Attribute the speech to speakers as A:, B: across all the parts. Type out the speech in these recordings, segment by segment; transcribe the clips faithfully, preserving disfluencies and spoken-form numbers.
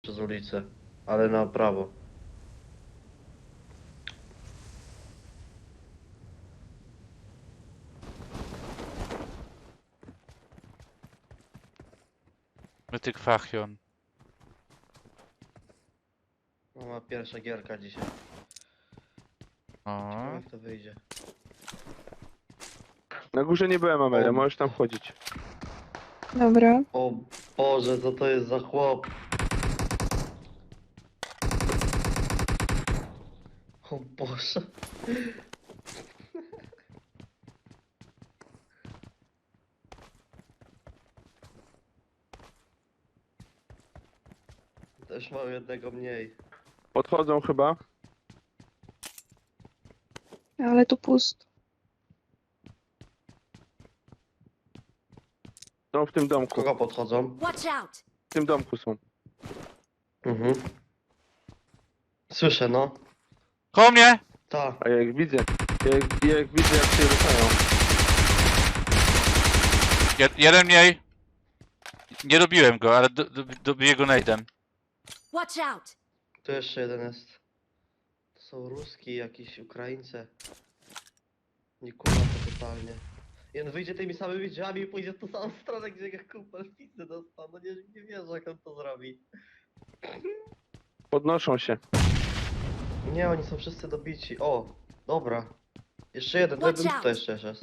A: przez ulicę, ale na prawo.
B: Mytyk Fachion.
A: No, ma pierwsza gierka dzisiaj.
B: O.
A: Ciekawe jak to wyjdzie.
C: Na górze nie byłem, Amelia,
A: O.
C: możesz tam wchodzić.
D: Dobra.
A: O Boże, co to jest za chłop? O Boże. Też mam jednego mniej.
C: Podchodzą chyba.
D: Ale tu pusto.
C: Są w tym domku.
A: Kogo podchodzą?
E: Watch out!
C: W tym domku są.
A: Mhm. Słyszę, no.
B: Koło mnie!
A: Ta.
C: A jak widzę, jak, jak widzę jak się ruszają.
B: Jed jeden mniej. Nie dobiłem go, ale do do dobiję go najdem.
E: Watch out!
A: Tu jeszcze jeden jest. To są Ruski, jakieś Ukraińcy. Nie kurwa to totalnie. I on wyjdzie tymi samymi drzwiami i pójdzie w tą samą stronę, gdzie jak kupel pizzy dostał. No nie, nie wierzę jak on to zrobi.
C: Podnoszą się.
A: Nie, oni są wszyscy dobici. O, dobra. Jeszcze jeden, to
E: Watch
A: jeden
E: out.
A: tutaj jeszcze jest.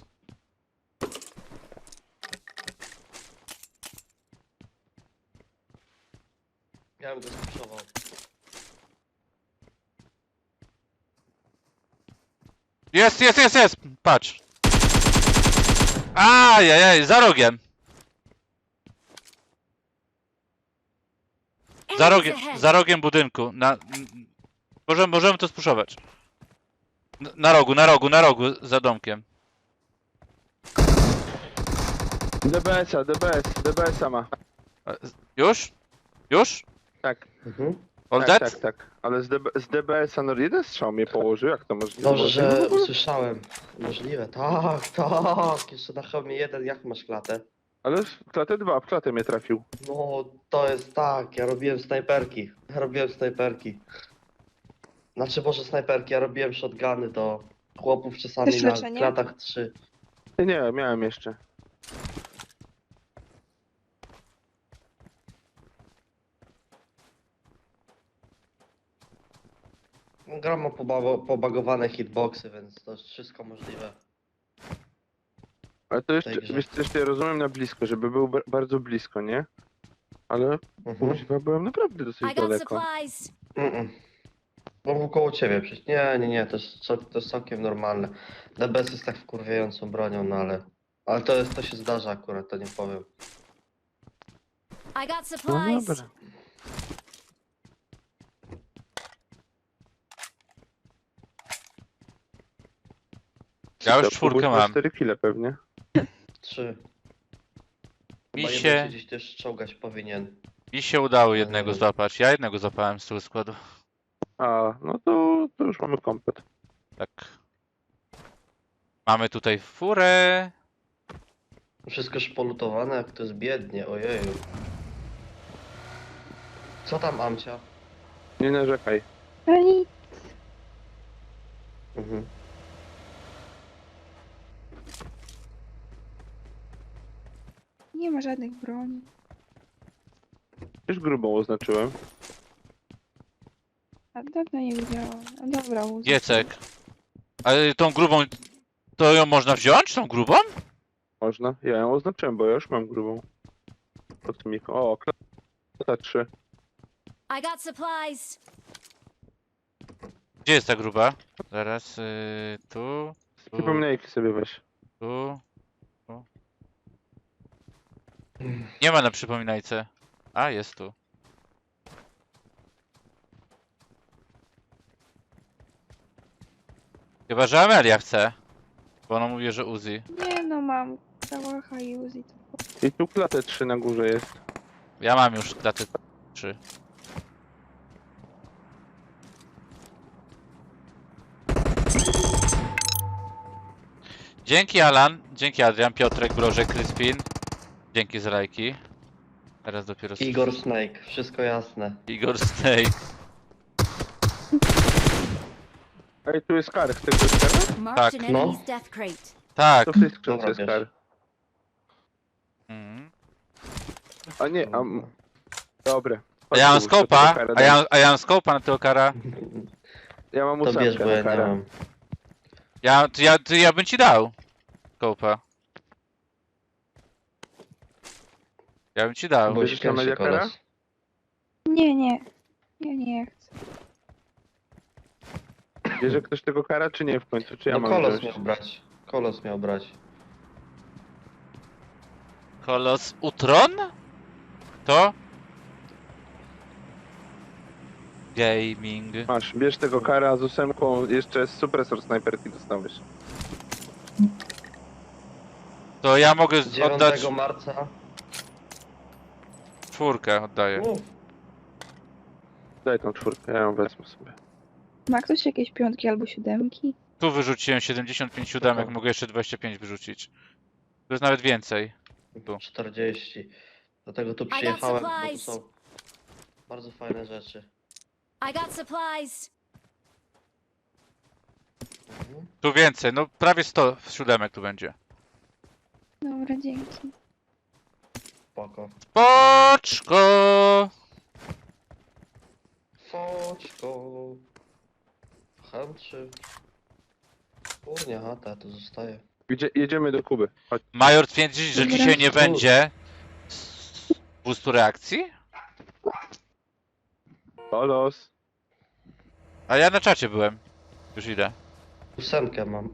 A: Ja bym go spuszował.
B: Jest, jest, jest, jest! Patrz. Ajajaj, za rogiem. Za
E: Enemies
B: rogiem,
E: ahead!
B: za rogiem budynku. Na, m- możemy, możemy to spuszować. Na, na rogu, na rogu, na rogu, za domkiem.
C: D B S-a, D B S, D B S-a ma.
B: E, z- Już? Już?
C: Tak,
A: Mhm.
B: All
C: tak,
B: dead?
C: tak, tak. Ale z, DB, z D B S-a no jeden strzał mnie położył, jak to możliwe?
A: Dobrze, że
C: No,
A: usłyszałem. Możliwe. Tak, tak. Jeszcze na hełmie jeden, jak masz klatę?
C: ale w klatę dwa, w klatę mnie trafił.
A: No, to jest tak, ja robiłem snajperki. Ja robiłem snajperki. Znaczy, może snajperki, ja robiłem shotguny do chłopów czasami
D: Też
A: na
D: leczenie?
A: klatach trzy.
C: Nie, miałem jeszcze.
A: Gram ma poba- pobagowane hitboxy, więc to jest wszystko możliwe.
C: Ale to jeszcze,
A: tej grze.
C: wiesz, jeszcze ja rozumiem na blisko, żeby był ba- bardzo blisko, nie? Ale
A: Mhm.
C: kuźwa, byłem naprawdę
E: I
C: dosyć
E: got
C: daleko.
E: supplies!
A: Mm-mm. No koło ciebie przecież. Nie, nie, nie, to jest, cał- to jest całkiem normalne. D B S jest tak wkurwiającą bronią, no ale... Ale to jest, to się zdarza akurat, to nie powiem.
E: I got
C: No
E: supplies!
C: dobra.
B: Ja już
C: To
B: czwórkę
C: pobudźmy
B: mam.
C: cztery kile pewnie.
A: Trzy.
B: Mi
A: Chyba
B: się-
A: jeden się gdzieś też czołgać powinien.
B: Mi się udało jednego złapać. Ja jednego złapałem z tyłu składu.
C: A, no to, to już mamy komplet.
B: Tak. Mamy tutaj furę.
A: Wszystko już polutowane, jak to jest biednie, ojeju. Co tam, Amcia?
C: Nie narzekaj.
D: Ani.
A: Mhm.
D: Nie ma żadnych broni.
C: Już grubą oznaczyłem.
D: A dawno nie widziałam. A dobra, uznam.
B: Giecek. Ale tą grubą... To ją można wziąć? Tą grubą?
C: Można. Ja ją oznaczyłem, bo ja już mam grubą. Pod mikro. O, klata trzy.
E: I got supplies!
B: Gdzie jest ta gruba? Zaraz, yy, tu,
C: Przypomniejki sobie weź.
B: tu, tu. Nie ma na przypominajce. A, jest tu. Chyba, że Amelia chce. Bo ona mówi, że Uzi.
D: Nie no, mam Kałacha i Uzi. To...
C: I tu klatę trzy na górze jest.
B: Ja mam już klatę trzy. Dzięki Alan, dzięki Adrian, Piotrek, Brożek, Kryspin. Dzięki za lajki. Teraz dopiero...
A: Igor Snake, wszystko jasne.
B: Igor Snake.
C: Ej, tu jest kar, chcesz coś kar?
E: Marked an
A: no.
E: enemy's death crate.
B: Tak.
C: To w tej skrzynce
A: Dobra,
C: jest
A: bierz.
C: kar.
B: Mhm.
C: A nie, a... m- Dobre.
B: A ja mam
C: Chodź tu, to
B: skopa,
C: tego kara
B: a ja,
C: dam.
B: a ja mam skopa na tego kara.
C: Ja mam
A: To bierz,
C: ósemkę
A: bo ja
C: na
A: nie
C: kara.
A: mam.
B: Ja, to ja, to ja bym ci dał. Skopa. Ja bym ci dał.
A: Bo
C: Bierzesz
A: już
C: na
A: pierwszy
C: Mediakara?
A: kolos.
D: Nie, nie. Ja nie chcę.
C: Bierze ktoś tego kara, czy nie w końcu? Czy ja
A: No
C: mam
A: kolos
C: wziąć?
A: miał brać. Kolos miał brać.
B: Kolos Utron? To? Gaming.
C: Masz, bierz tego kara z ósemką, jeszcze supresor snajperki dostałeś.
B: To ja mogę z- oddać
A: dziewiątego marca.
B: czwórkę, oddaję.
A: Mów.
C: Daj tą czwórkę, ja ją wezmę sobie.
D: Ma ktoś jakieś piątki albo siódemki?
B: Tu wyrzuciłem siedemdziesiąt pięć siódemek,
A: Spoko.
B: mogę jeszcze dwadzieścia pięć wyrzucić. To jest nawet więcej. Tu.
A: czterdzieści. Dlatego tu
E: got
A: przyjechałem, bo tu
E: supplies.
A: są bardzo fajne rzeczy.
E: I got supplies.
A: Mhm.
B: Tu więcej, no prawie sto siódemek tu będzie.
D: Dobra, dzięki.
A: Spoko.
B: Poczko!
A: Foczko. Chętrzy. Kurnia chata, to zostaje.
C: Gdzie, jedziemy do Kuby. Chodź.
B: Major twierdzi, że
D: Dobra.
B: dzisiaj nie będzie boostu reakcji?
C: Kolos.
B: A ja na czacie byłem. Już idę.
A: Ósemkę mam.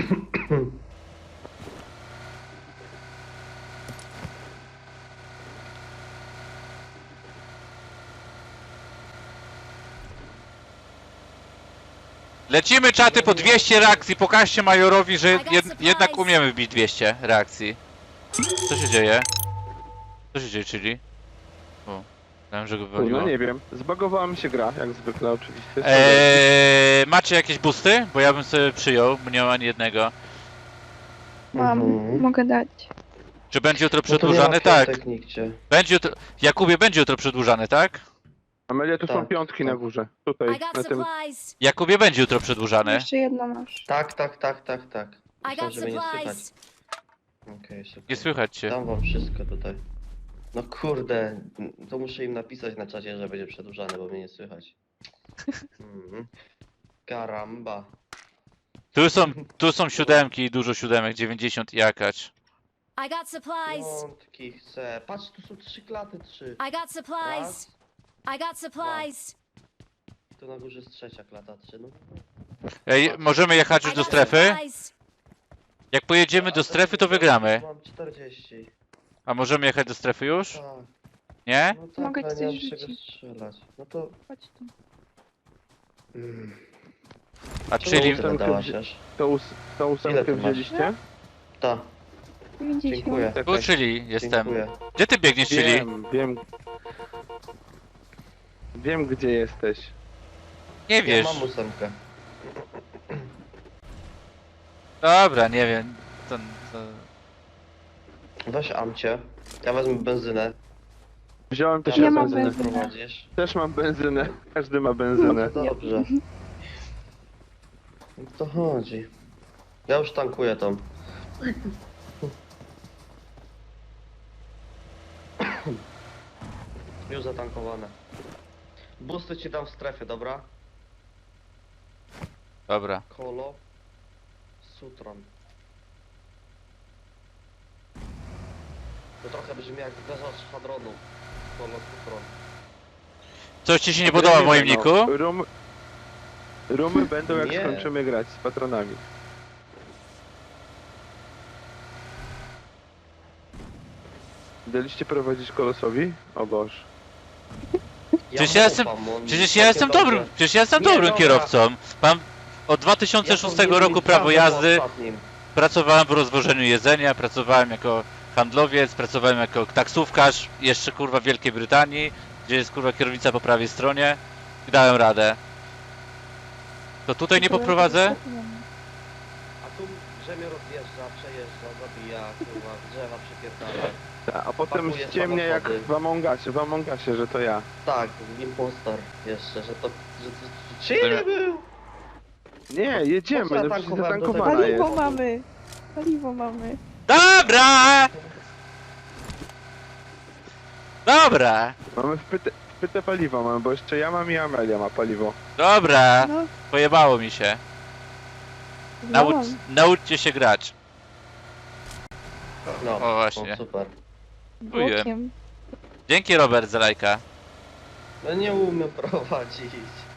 B: Lecimy czaty po dwieście reakcji, pokażcie Majorowi, że
E: I got
B: jed
E: supplies.
B: jednak umiemy wbić dwieście reakcji. Co się dzieje? Co się dzieje, czyli? O, myślałem, że go wywaliło.
C: No nie wiem, zbagowała mi się gra, jak zwykle oczywiście.
B: Eee, macie jakieś boosty? Bo ja bym sobie przyjął, bo nie mam ani jednego.
D: Mam,
A: Mhm.
D: mogę dać.
B: Czy będzie jutro
A: No to nie ma
B: przedłużane? Tak.
A: piątek nigdzie.
B: Będzie jutro... Jakubie, będzie jutro przedłużane, tak?
C: Amelia, tu są
A: Tak,
C: piątki na
A: tak.
C: górze.
E: I
C: Tutaj,
E: got
C: na tym.
E: supplies.
B: Jakubie, będzie jutro przedłużane.
D: Jeszcze jedno masz.
A: Tak, tak, tak, tak, tak.
E: I
A: Myślałem,
E: got
A: że mnie nie słychać.
E: supplies.
A: Okej, super.
B: Nie słychać cię.
A: Dam wam wszystko tutaj. No kurde, to muszę im napisać na czacie, że będzie przedłużane, bo mnie nie słychać. Mhm. Karamba.
B: Tu są, tu są siódemki, dużo siódemek, dziewięćdziesiąt i jakaś.
E: I got supplies.
A: Piątki chcę. Patrz, tu są trzy klaty, trzy.
E: I got supplies.
A: Raz.
E: I got supplies.
A: Tu na górze jest trzecia klata, trzy. No.
B: Ej, możemy jechać
E: I
B: już do
E: got
B: strefy?
E: supplies.
B: Jak pojedziemy do strefy, to wygramy.
A: Mam czterdzieści.
B: A możemy jechać do strefy już?
A: Tak.
B: Nie?
A: No tak,
D: Mogę
A: ale
D: ci
A: nie mam
D: coś
A: czego
D: rzucić.
A: strzelać. No to...
D: Chodź tu.
A: Mm.
B: A
A: Czemu
B: czyli...
A: tyle dałaś aż?
C: Tą, ós tą
A: Ile
C: ósemkę
A: ty masz?
C: wzięliście?
A: Ta,
D: dziewięćdziesiąt.
A: dziękuję.
B: Tu czyli jestem.
A: Dziękuję.
B: Gdzie ty biegniesz, czyli?
C: Wiem, wiem. Wiem, gdzie jesteś.
B: Nie
A: Ja
B: wiesz.
A: mam ósemkę.
B: Dobra, nie wiem. To, to...
A: Weź amcie. Ja wezmę benzynę.
C: Wziąłem też
D: Ja
C: ja
D: mam
C: benzynę.
D: benzynę.
A: Prowadzisz.
C: Też mam benzynę. Każdy ma
A: No
C: benzynę.
A: to dobrze. O to chodzi. Ja już tankuję tą. Już zatankowane. Busty ci dam w strefie, dobra?
B: Dobra.
A: Kolo. Sutron. To trochę brzmi jak uderza z szwadronu. Kolo, Sutron.
B: Coś ci się nie podoba w moim
C: No,
B: niku?
C: Rum... Rumy będą jak
A: Nie.
C: skończymy grać z patronami. Daliście prowadzić kolosowi? O Boże.
B: Przecież ja jestem-
A: ufam, on
B: Przecież ja
A: całkiem
B: jestem
A: dobrze.
B: dobrym, przecież ja jestem
A: Nie,
B: dobrym
A: dobra.
B: kierowcą. Mam od dwa
A: Ja
B: tysiące szóstego
A: powinienem
B: roku
A: mieć
B: prawo
A: prawo
B: jazdy,
A: po ostatnim.
B: pracowałem w rozwożeniu jedzenia, pracowałem jako handlowiec, pracowałem jako taksówkarz, jeszcze kurwa w Wielkiej Brytanii, gdzie jest kurwa kierownica po prawej stronie i dałem radę. To tutaj nie poprowadzę?
A: A tu brzemię rozjeżdża, przejeżdża, zabija, kurwa, drzewa przypierdala.
C: A potem
A: Pakuje
C: ściemnia jak
A: samochody.
C: w Among Usie, w Among Usie, że to ja.
A: Tak, impostor jeszcze, że to... Że to... Czy nie był?
C: Nie, jedziemy,
A: Po co ja
C: no przecież
A: tankowałem do
C: zatankowana
A: tego?
C: jest.
D: Paliwo mamy! Paliwo mamy.
B: Dobra! Dobra!
C: Mamy wpyte, wpyte paliwo, mamy, bo jeszcze ja mam i Amelia ma paliwo.
B: Dobra!
D: No,
B: Pojebało mi się. Naucz,
D: no.
B: nauczcie się grać.
A: No,
B: O, właśnie.
A: no super.
B: Dziękuję.
D: Bokiem.
B: Dzięki Robert za lajka.
A: No nie umiem prowadzić.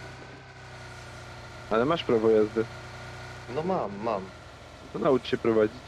C: Ale masz prawo jazdy.
A: No mam, mam.
C: To naucz się prowadzić.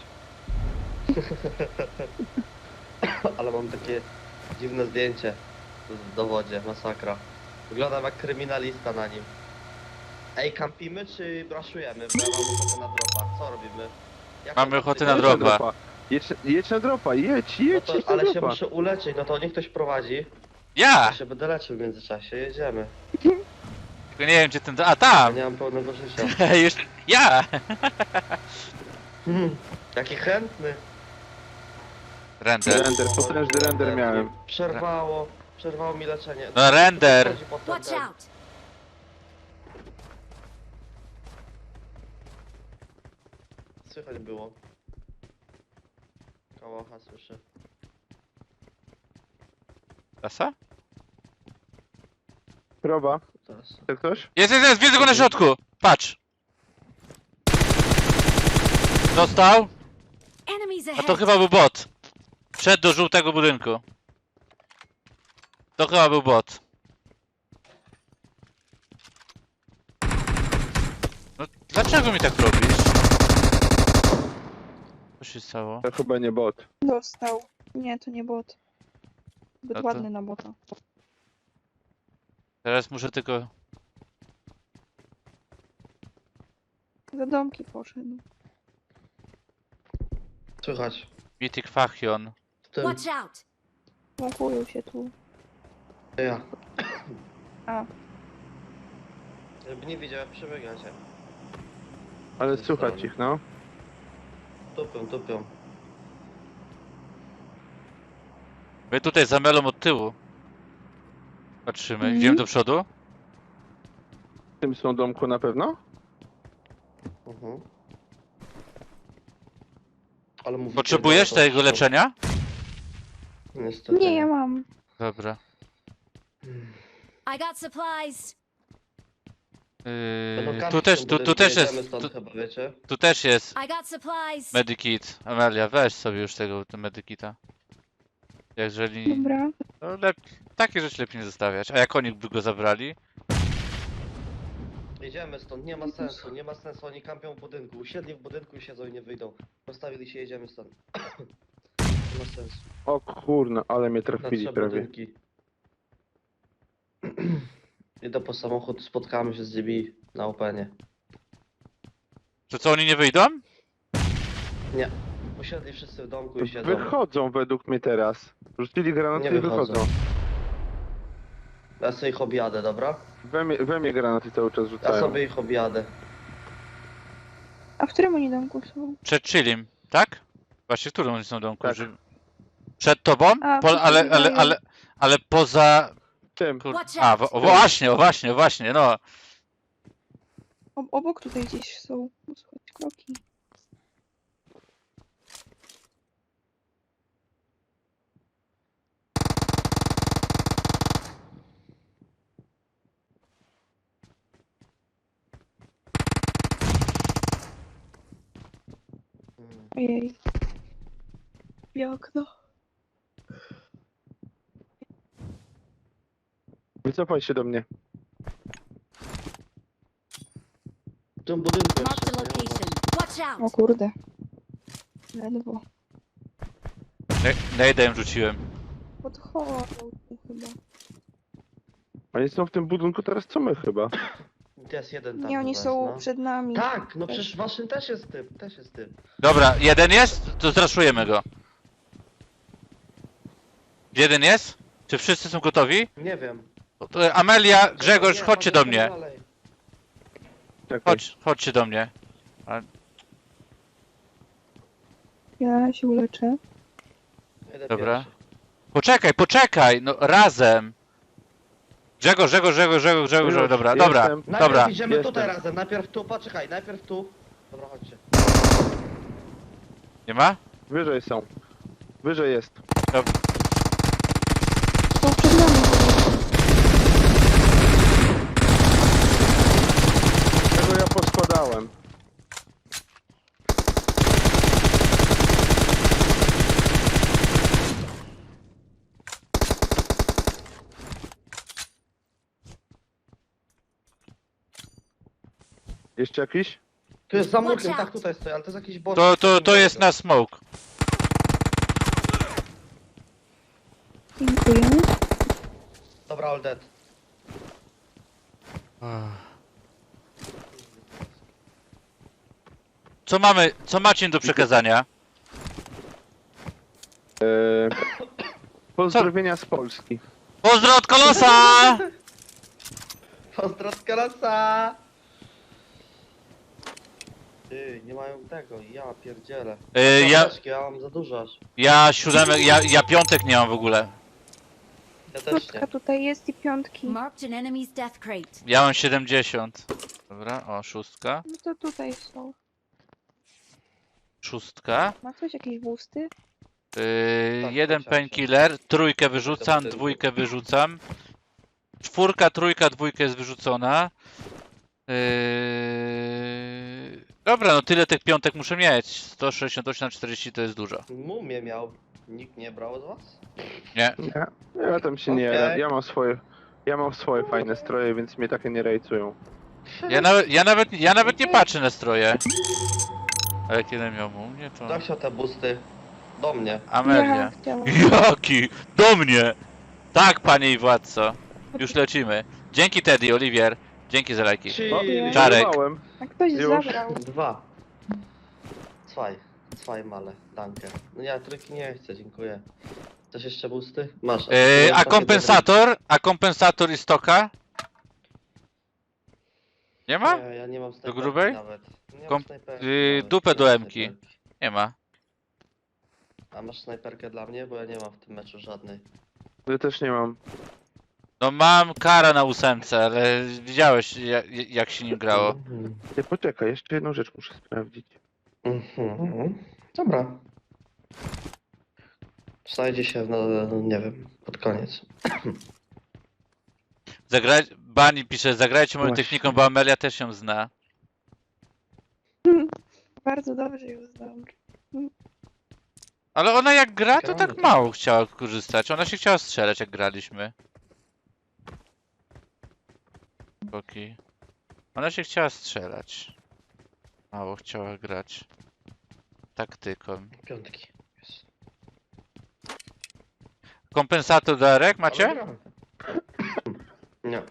A: Ale mam takie dziwne zdjęcie w dowodzie, masakra. Wyglądam jak kryminalista na nim. Ej, kampimy czy braszujemy? Bo ja mam ochotę na dropa. Co robimy? Jak
B: Mamy
A: mam
B: ochotę
A: tutaj-
B: na
C: Jedź
B: dropa.
C: Jedź, jedź na dropa, jedź,
A: No
C: jedź,
A: to,
C: jedź na
A: ale się
C: dropa.
A: muszę uleczyć, no to niech ktoś prowadzi.
B: Ja!
A: Ja się będę leczył w międzyczasie, jedziemy.
B: Tylko nie wiem gdzie ten... A
A: Ja
B: tam!
A: nie mam pełnego życia.
B: Już... Ja!
A: Hmm, jaki chętny.
B: Render.
C: Render, potężny render miałem.
A: Przerwało, przerwało mi leczenie.
B: No render!
A: Chodzi potem
E: Watch
A: ten-
E: out!
A: Słychać było. Kałacha słyszę.
B: Rasa?
C: Proba,
A: Teraz.
C: chce ktoś?
B: Jest, jest, jest! Widzę go na środku! Patrz! Dostał?
E: Enemies
B: A
E: ahead!
B: to chyba był bot. Wszedł do żółtego budynku. To chyba był bot. No dlaczego mi tak robisz? Co się stało?
C: To chyba nie bot.
D: Dostał. Nie, to nie bot. Zbyt
B: No to-
D: ładny na bota.
B: Teraz muszę tylko...
D: Za domki poszedł.
A: Słychać.
B: Mythic Fachion.
A: W tym.
E: Watch out!
D: Łapują się tu.
A: To ja.
D: A,
A: Żeby nie widział jak przebiegacie.
C: Ale
A: Ze
C: słuchać
A: strony.
C: ich, no.
A: Tupią, tupią.
B: My tutaj za melą od tyłu. Patrzymy.
D: Mhm.
B: Idziemy do przodu?
C: W tym są domku na pewno?
A: Mhm. Ale mówicie,
B: Potrzebujesz
A: że to-
B: tego leczenia?
A: Niestety.
D: nie, ja mam.
B: Dobra.
E: I got supplies!
A: Będą
B: Yy,
A: kampić
B: tu
A: w
B: też,
A: tym
B: tu, tu
A: budynku,
B: też
A: jedziemy
B: jest,
A: stąd
B: tu,
A: chyba, wiecie?
B: tu też jest
E: I got supplies!
B: Medikit. Amelia, weź sobie już tego tego Medikita. Jeżeli...
D: Dobra.
B: No lep... Takie rzeczy lepiej nie zostawiać. A jak oni by go zabrali?
A: Jedziemy stąd, nie ma sensu, nie ma sensu, oni kampią w budynku. Usiedli w budynku i siedzą i nie wyjdą. Postawili się, jedziemy stąd. Nie ma sensu.
C: O kurno, ale mnie
A: Na
C: trafili
A: trzy
C: prawie.
A: budynki. Idę po samochód, spotkamy się z D B na openie.
B: Że co, oni nie wyjdą?
A: Nie. Usiedli wszyscy w domku i siedzą.
C: Wychodzą według mnie teraz. Rzucili granaty
A: Nie
C: i
A: wychodzą.
C: wychodzą.
A: Ja sobie ich objadę, dobra?
C: We mnie, we mnie granaty cały czas
A: Ja
C: rzucają.
A: sobie ich objadę.
D: A w którym oni domku są?
B: Przed Chilim, tak? Właśnie, w którym oni są domku?
C: Tak.
B: Że... Przed tobą?
D: A,
B: Po, ale, ale, ale, ale, ale poza...
C: Tym.
B: Kur...
E: Watch
B: A,
E: out.
B: wo, właśnie, właśnie, właśnie, no.
D: O, obok tutaj gdzieś są. Słychać kroki.
A: Mm.
D: Ojej. I okno.
C: Wycofaj się do mnie.
A: W tym budynku
E: Marked a
A: jeszcze. nie?
E: location. Watch
D: O
E: out!
D: kurde. Ledwo.
B: Nejdę im rzuciłem.
D: Podchodzą tu chyba.
C: Oni są w tym budynku teraz co my chyba.
A: Jest jeden tam
D: Nie, oni
A: chyba
D: są
A: jest, no.
D: przed nami.
A: Tak, no przecież waszym też jest typ, też jest typ.
B: Dobra, jeden jest? To zraszujemy go. Jeden jest? Czy wszyscy są gotowi?
A: Nie wiem.
B: To Amelia, Grzegorz,
A: Nie,
B: chodźcie do
A: chodź
B: mnie.
A: dalej.
C: Czekaj.
B: Chodź, chodźcie do mnie.
D: Ja się uleczę.
A: Jedę
B: Dobra.
A: pierwszy.
B: Poczekaj, poczekaj, no razem. Grzegorz, Grzegorz, Grzegorz, Grzegorz, Grzegorz,
C: Już,
B: dobra, dobra,
C: jestem.
A: Najpierw
B: dobra.
A: idziemy
C: Jestem.
A: tutaj razem, najpierw tu, poczekaj, najpierw tu. Dobra, chodźcie.
B: Nie ma?
C: Wyżej są. Wyżej jest.
D: Są przed nami.
C: Tego ja poskładałem. Jeszcze jakiś?
A: Tu jest za
E: Watch
A: murkiem,
E: out.
A: tak tutaj stoi, ale to jest jakiś boss.
B: To, to, to jest na smoke.
D: Dziękujemy.
A: Dobra, all dead.
B: Co mamy, co macie do przekazania?
C: Eee, pozdrowienia z Polski.
B: Pozdro od Kolosa!
A: Pozdro z Kalasa! Ty, nie mają tego, ja pierdzielę.
B: Yy, ja,
A: Apteczki, ja mam za dużo aż.
B: ja siódemek, ja, ja piątek nie mam w ogóle.
A: Ja też nie.
D: Piątka tutaj jest i piątki.
E: Marked an enemy's death crate.
B: Ja mam siedemdziesiąt. Dobra, o, szóstka.
D: No to tutaj są.
B: Szóstka.
D: Ma ktoś jakieś busty?
B: Yy,
A: Tak,
B: jeden
A: chciałem
B: painkiller, trójkę wyrzucam,
A: Dobry.
B: dwójkę wyrzucam. Czwórka, trójka, dwójka jest wyrzucona. Yy... Dobra, no tyle tych piątek muszę mieć. sto sześćdziesiąt osiem na czterdzieści to jest dużo.
A: Mumię miał. Nikt nie brał z was?
B: Nie?
C: Ja, ja tam się nie
A: Okej.
C: jaram. Ja mam swoje. Ja mam swoje fajne stroje, więc mnie takie nie rejcują.
B: Ja nawet, ja nawet, ja nawet nie patrzę na stroje. A jak jeden miał u mnie, to...
A: Kto chciał te busty? Do mnie.
D: Ja
B: Amelia.
D: chciałam.
B: Jaki? Do mnie! Tak, panie i władco. Już lecimy. Dzięki Teddy, Oliwier. Dzięki za lajki.
A: Trzy.
C: No,
D: Dziękuję.
B: Czarek.
C: Żarek.
D: A ktoś
C: Już.
D: zabrał.
A: Dwa. Zwei. Zwei male. Danke. No ja trójki nie chcę, dziękuję. Chcesz jeszcze busty? Masz.
B: Yy, a kompensator? A kompensator i stoka? Nie ma?
A: Nie, ja nie mam snajperki
B: grubej?
A: nawet. Nie mam
B: Kom-
A: snajperki
B: yy,
A: nawet,
B: dupę
A: nie
B: do
A: mam
B: emki.
A: snajperki.
B: Nie ma.
A: A masz snajperkę dla mnie? Bo ja nie mam w tym meczu żadnej.
C: Ja też nie mam.
B: No mam kara na ósemce, ale widziałeś jak, jak się nim grało.
A: Mhm.
C: Ty poczekaj, jeszcze jedną rzecz muszę sprawdzić.
A: Mhm. Dobra. Znajdzie się, no, nie wiem, pod koniec.
B: Zagraj... Bani pisze, zagrajcie moją
C: Właśnie.
B: techniką, bo Amelia też ją zna.
D: Bardzo dobrze ją znam.
B: Ale ona jak gra, to
A: Gramy
B: tak
A: tak.
B: mało chciała korzystać. Ona się chciała strzelać jak graliśmy. Boki. Ona się chciała strzelać. Mało chciała grać. Taktyką.
A: Piątki. Jest.
B: Kompensator Darek
A: Ale
B: macie?
A: gramy. Nie.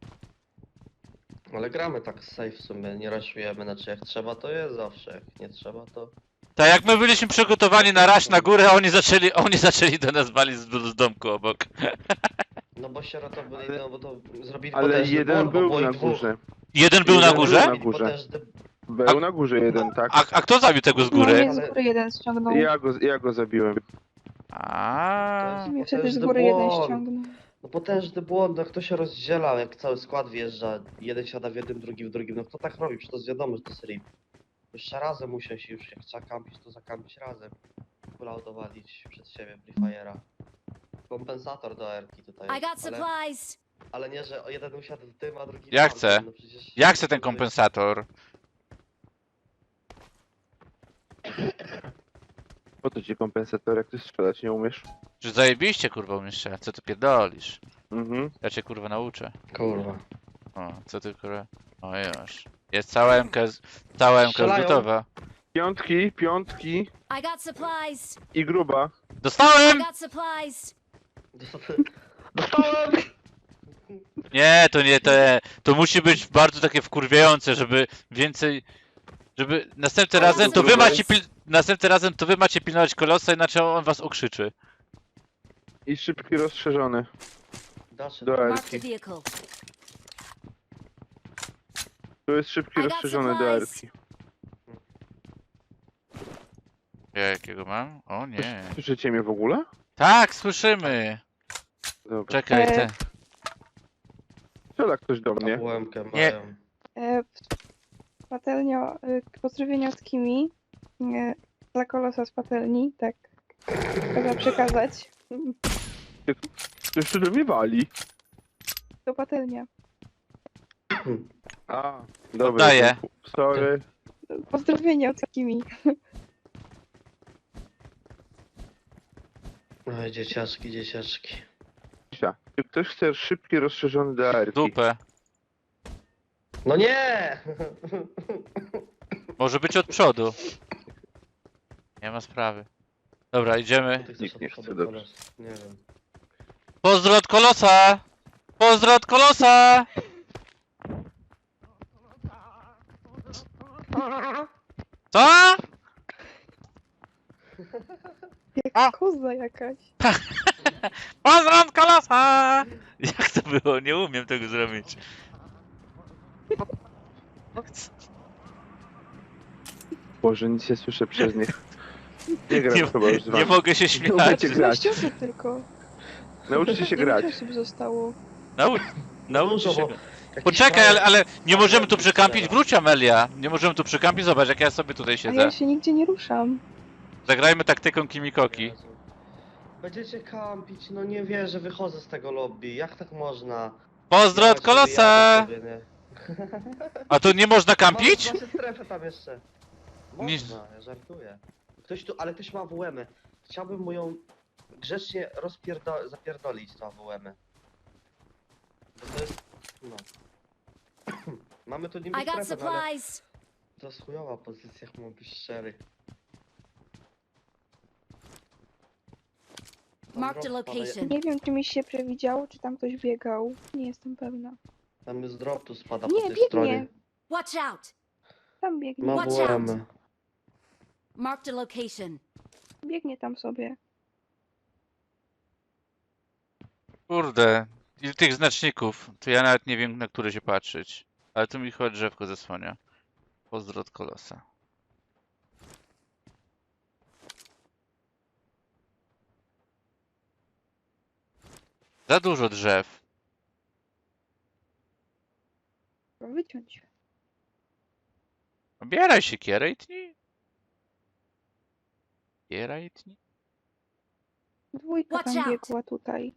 A: Ale gramy tak safe w sumie, nie raszujemy, znaczy jak trzeba to jest zawsze, jak nie trzeba to...
B: Tak jak my byliśmy przygotowani na raś na górę, a oni zaczęli, oni zaczęli do nas walić z, z domku obok.
A: No bo sieroto byli,
C: Ale-
A: no bo to zrobili
C: Ale
A: potężny
C: jeden
A: ból, bo
C: był
A: było
C: na
A: ich dwóch.
C: górze.
B: Jeden był na
C: Jeden
B: górze?
C: był na górze.
A: Potężny...
C: Był na górze jeden, tak.
B: A, a kto zabił tego z
D: No
B: góry?
D: mnie z góry jeden ściągnął.
C: Ja go, ja go zabiłem.
B: A.
A: To
D: Mnie
A: jest
D: wtedy z
A: potężny
D: góry jeden
A: błąd.
D: ściągnął.
A: No potężny błąd, no kto się rozdziela, jak cały skład wjeżdża, jeden siada w jednym, drugi w drugim, no kto tak robi, przecież to jest wiadomo, że to jest rip. Jeszcze razem usiąść i już, jak trzeba kampić, to zakampić razem. Kulał dowalić przed siebie Free Fire'a. Kompensator do erki tutaj
E: I got
A: jest, ale,
E: supplies.
A: ale nie, że o jeden usiadł w tym, a drugi
B: Ja
A: tam,
B: chcę.
A: no przecież...
B: Ja chcę ten kompensator.
C: Po to ci kompensator, jak ty strzelać nie umiesz.
B: Że zajebiście kurwa umiesz, co ty pierdolisz?
C: Mhm.
B: Ja cię kurwa nauczę.
A: Kurwa.
B: O, co ty kurwa? O już. Jest cała M K, z- cała M K już
A: Strzelają.
B: gotowa.
C: Piątki, piątki
E: I got supplies.
C: i gruba.
E: I
B: Dostałem!
E: got supplies.
A: Dostałem!
B: Nie, to nie, to nie. To musi być bardzo takie wkurwiające, żeby więcej... Żeby następnym
E: Ale
B: razem to wy
E: super.
B: macie pil... Następnym razem to wy macie pilnować kolosa, inaczej on was okrzyczy.
C: I szybki rozszerzony.
A: Dasze.
C: Do
E: Marked a
C: erki.
E: vehicle.
C: Tu jest szybki
E: I got
C: rozszerzony do
E: supplies.
C: erki.
B: Jakiego mam? O nie.
C: Słyszycie mnie w ogóle?
B: Tak, słyszymy.
C: Dobra.
B: Czekaj,
D: E,
B: te.
C: Strzela ktoś do mnie.
A: A bułemkę
B: Nie.
A: mają.
D: E, patelnio, e, pozdrowienia od Kimi. E, dla kolosa z patelni, tak. Trzeba przekazać.
C: Ktoś tu do mnie wali.
D: To patelnia.
C: A, dobra.
B: Oddaję.
C: Sorry.
D: Pozdrowienia od Kimi.
A: Oj, dzieciaczki, dzieciaczki.
C: Czy ktoś chce szybki, rozszerzony D R?
B: Dupę.
A: No nie!
B: Może być od przodu. Nie ma sprawy. Dobra, idziemy.
A: Ty chcesz
C: Nikt
A: od
C: nie
A: przodu
C: chce, dobrze.
A: kolos. Nie wiem.
B: Pozdro od kolosa! Pozdro od kolosa! Co?
D: Jak
B: A!
D: koza jakaś.
B: Pozdro od kolosa! Jak to było? Nie umiem tego zrobić.
C: Boże, nic nie słyszę przez nich. Nie gram
B: Nie,
C: chyba już z
B: nie
C: wami.
B: mogę się
C: Nie
B: śmiać.
C: umiecie grać.
D: trzynaście osób tylko.
C: Nauczcie się
D: dziewięć
C: grać.
D: osób zostało.
B: Naucz, naucz
A: Dużo,
B: się.
A: bo
B: go.
A: jakiś
B: Poczekaj,
A: frajer-
B: ale, ale nie możemy tu
A: frajer
B: przykampić.
A: strzela.
B: Wróć, Amelia. Nie możemy tu przykampić. Zobacz, jak ja sobie tutaj
D: A
B: siedzę.
D: ja się nigdzie nie ruszam.
B: Zagrajmy taktyką Kimikoki.
A: Jezu. Będziecie kampić, no nie wierzę, wychodzę z tego lobby. Jak tak można?
B: Pozdro
A: Ja
B: od
A: sobie
B: kolosa!
A: jadę sobie, nie?
B: A tu nie można kampić?
A: Masz, masz strefę tam jeszcze.
B: Nie-
A: Można, ja żartuję. Ktoś tu, ale ktoś ma A W M-y. Chciałbym mu ją grzecznie rozpierdo- zapierdolić, tą A W M-y. Bo to jest, no. Mamy tu niby
E: I got
A: strefę, no ale
E: supplies.
A: to jest chujowa pozycja, jak mam być szczery. Tam
E: Marked a
A: drop spada,
E: location.
D: Nie wiem, czy mi się przewidziało, czy tam ktoś biegał. Nie jestem pewna.
A: Tam jest drop, tu spada
D: Nie,
A: po tej
D: biegnie.
A: stronie.
E: Watch out.
D: Tam biegnie.
A: Ma
E: Watch
A: A W
E: out.
A: M-y.
E: Marked a location.
D: Biegnie tam sobie.
B: Kurde, ile tych znaczników, to ja nawet nie wiem, na które się patrzeć. Ale tu mi chyba drzewko zasłania. Pozdro od kolosa. Za dużo drzew.
D: Trzeba wyciąć.
B: Obieraj się, kieraj tni. Kieraj tni.
D: Dwójka
E: Watch
D: tam
E: out.
D: biegła tutaj.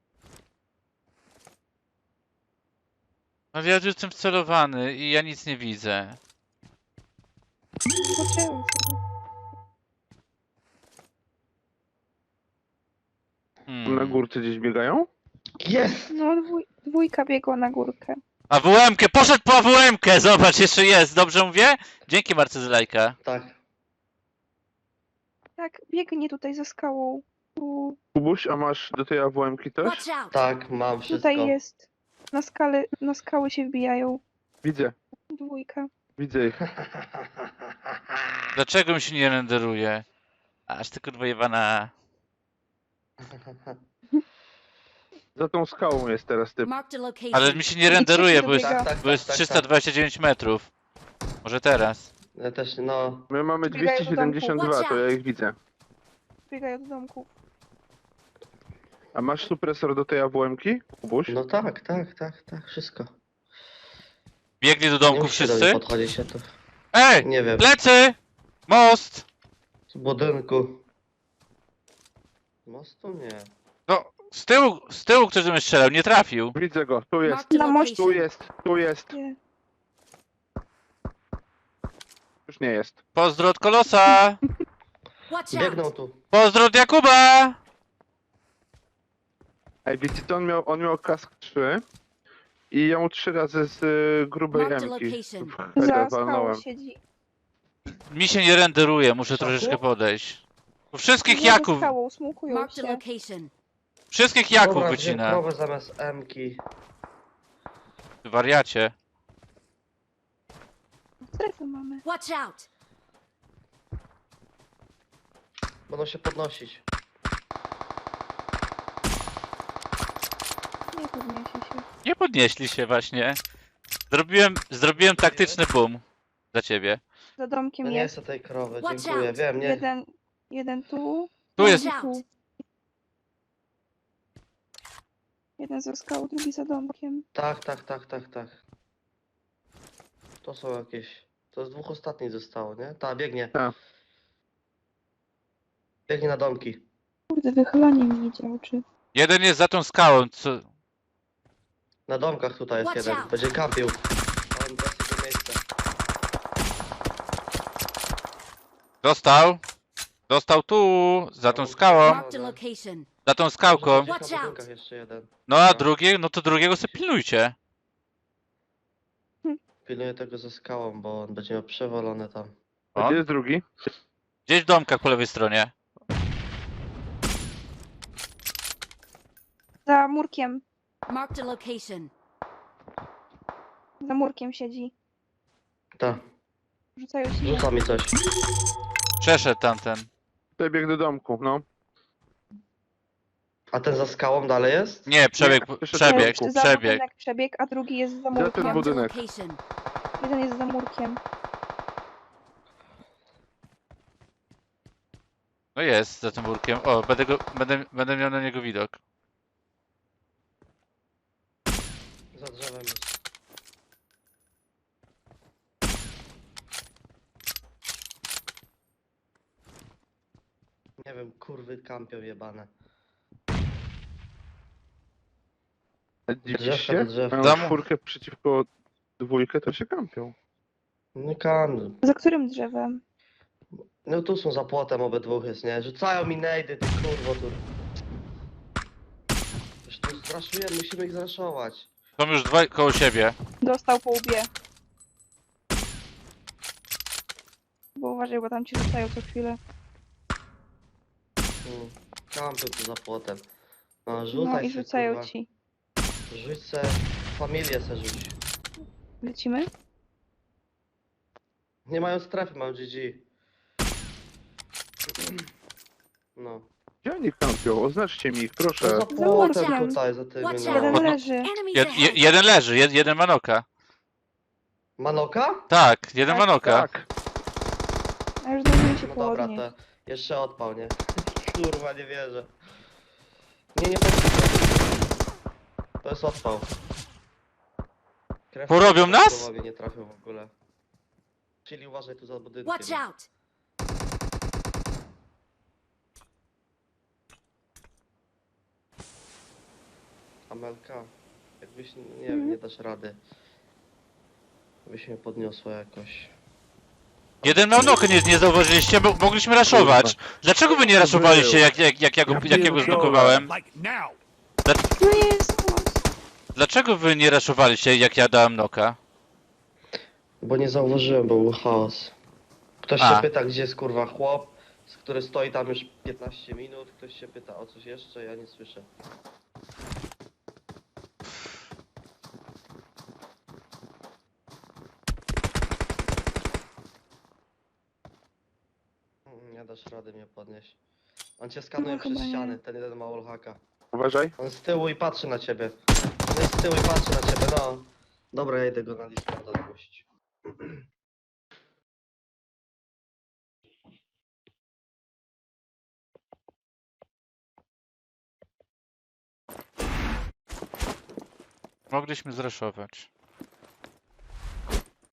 B: No ja już jestem wcelowany i ja nic nie widzę.
D: Poczęły sobie.
B: Hmm.
C: Na górce gdzieś biegają?
A: Jest!
D: No, dwój, dwójka biegła na górkę.
B: A W M-kę! Poszedł po W M-kę! Zobacz, jeszcze jest. Dobrze mówię? Dzięki Marce z lajka.
A: Tak.
D: Tak, biegnie tutaj za skałą. Tu,
C: Kubuś, a masz do tej A W M-ki też?
E: Watch out.
A: Tak, mam wszystko.
D: tutaj jest. Na, skale, na skały się wbijają.
C: Widzę,
D: Dwójka.
C: widzę ich.
B: Dlaczego mi się nie renderuje? Aż tylko dwojebana.
C: Za tą skałą jest teraz typ.
E: Marked a location.
B: Ale mi się nie renderuje, bo jest,
D: dobiega.
A: Tak, tak,
B: bo jest
A: tak, tak,
B: trzysta dwadzieścia dziewięć metrów. Może teraz.
A: Ja też, no.
C: My mamy
D: Biegają do
C: dwieście siedemdziesiąt dwa,
E: domku.
C: to ja ich widzę.
D: Biegają do domku.
C: A masz supresor do tej A W M-ki, Kubuś?
A: No tak, tak, tak, tak, wszystko.
B: Biegli do
A: Nie
B: domku
A: musicie do mnie
B: wszyscy?
A: podchodzić się tu.
B: Ej!
A: Nie wiem.
B: Plecy! Most!
A: Z budynku. Mostu nie.
B: No, z tyłu, z tyłu ktoś do mnie strzelał, nie trafił.
C: Widzę go, tu jest,
E: Marked a
D: Na moście.
C: tu
E: location.
C: jest, tu jest.
D: Nie.
C: Już nie jest.
B: Pozdro od kolosa!
E: Watch
A: Biegną
E: out.
A: tu.
B: Pozdro od Jakuba!
C: Ej, wiecie co, on miał, on miał kask trzy i ja mu trzy razy z y, grubej
E: Marked a
C: M-ki
E: location.
C: w
D: Za
C: heada
D: skałą
C: walnąłem.
D: siedzi.
B: Mi się nie renderuje, muszę
A: Szaku?
B: troszeczkę podejść. U wszystkich
D: Nie, za
B: Jaków,
D: skałą, smukują
E: Marked a
D: się.
E: location.
B: wszystkich Jaków
A: Dobra,
B: wycina.
A: wziąłem krowę zamiast M-ki.
B: Ty wariacie.
D: Strefę mamy.
E: Watch out.
A: Będą się podnosić.
D: Nie podniesie się.
B: Nie podnieśli się właśnie. Zrobiłem, zrobiłem taktyczny boom. Za ciebie.
D: Za domkiem
A: Ja nie
D: jest.
A: chcę tej krowy,
E: Watch
A: dziękuję.
E: out.
A: Wiem, nie.
D: Jeden Jeden tu.
B: Tu jest.
D: drugi tu. Jeden za skałą, drugi za domkiem.
A: Tak, tak, tak, tak, tak. To są jakieś... To z dwóch ostatnich zostało, nie? Ta, biegnie.
C: Tak.
A: Biegnie na domki.
D: Kurde, wychylanie mi nie działa, czy...
B: Jeden jest za tą skałą, co...
A: Na domkach tutaj jest
E: Watch
A: jeden.
E: out.
A: Będzie kampił. On da sobie miejsce.
B: Dostał. Dostał tu, za tą skałą.
E: Marked a location.
B: Za tą skałką.
A: Gdzieś
E: Watch
A: na
E: out.
A: budynkach jeszcze jeden.
B: No a drugie, no to drugiego sobie pilnujcie.
A: Pilnuję tego ze skałą, bo on będzie miał przewalone tam.
C: A
B: On?
C: gdzie jest drugi?
B: Gdzieś w domkach po lewej stronie.
D: Za murkiem.
E: Marked a location.
D: Za murkiem siedzi.
A: Ta,
D: Rzucają się.
A: rzuca mi coś.
B: Przeszedł tamten.
C: Tutaj bieg do domku, no.
A: A ten za skałą dalej jest?
B: Nie, przebieg,
C: Nie, przeszedł
B: przebieg,
C: domku.
D: Za
B: przebieg.
D: budynek przebieg, a drugi jest za
C: ten
D: murkiem.
E: Marked a
C: budynek.
E: location.
D: Jeden jest za murkiem.
B: No jest, za tym burkiem. O, będę, go, będę, będę miał na niego widok.
A: Za drzewem jest. Nie wiem, kurwy kampią jebane.
C: Dziś
A: Drzewka
C: się?
A: do drzewka.
C: Mają
B: Tam-
C: czwórkę przeciwko dwójkę, to się kampią.
A: Nie kan.
D: Za którym drzewem?
A: No tu są za płotem obydwóch jest, nie? Rzucają mi nejdy, ty kurwo tu. Już tu zraszujemy, musimy ich zraszować.
B: Są już dwa koło siebie.
D: Dostał po łbie. Bo uważaj, bo tam ci rzucają co chwilę.
A: Hmm. Kampią tu za płotem. No
D: No
A: rzucaj
D: i
A: se,
D: rzucają
A: kurwa.
D: ci.
A: Rzuć se, familię se rzuć.
D: Lecimy?
A: Nie mają strefy, mają G G. No.
C: Gdzie oni kampią? Oznaczcie mi ich,
A: To
C: proszę.
A: za
D: Za
A: płotem
D: murkiem.
A: tutaj, za tymi,
E: Watch
A: no.
E: out.
D: Jeden
B: Podno-
D: leży.
E: Enemies
B: Jed, je,
E: ahead.
B: jeden leży, jed, jeden manoka.
A: Manoka?
B: Tak, jeden
D: Tak,
B: manoka.
C: Tak.
D: A już zdążyli się
A: No dobra,
D: południe.
A: to jeszcze odpał, nie? Kurwa, nie wierzę. Nie, nie, to, to jest odpał. Krew
B: Porobią
A: na
B: nas?
A: głowie nie trafił w ogóle. Czyli uważaj tu za budynkiem.
E: Watch out.
A: Amelka, jakbyś, nie
D: Mhm.
A: wiem, nie dasz rady. Byś mnie podniosła jakoś.
B: Jeden manoka nie, nie zauważyliście, bo mogliśmy raszować. Dlaczego wy nie raszowaliście, jak, jak, jak, ja go, jak ja go zblokowałem?
F: Like now.
D: No jest.
B: Dlaczego wy nie raszowaliście, jak ja dałem noka?
A: Bo nie zauważyłem, bo był chaos. Ktoś
B: A.
A: się pyta, gdzie jest kurwa chłop, z który stoi tam już piętnaście minut. Ktoś się pyta o coś jeszcze, ja nie słyszę. Mm, Nie dasz rady mnie podnieść. On cię skanuje
D: No,
A: przez
D: chyba nie.
A: ściany, ten jeden ma wallhacka.
C: Uważaj.
A: On z tyłu i patrzy na ciebie. On jest z tyłu i patrzy na ciebie, no. Dobra, ja idę go na Discorda zgłosić.
B: Mogliśmy zraszować.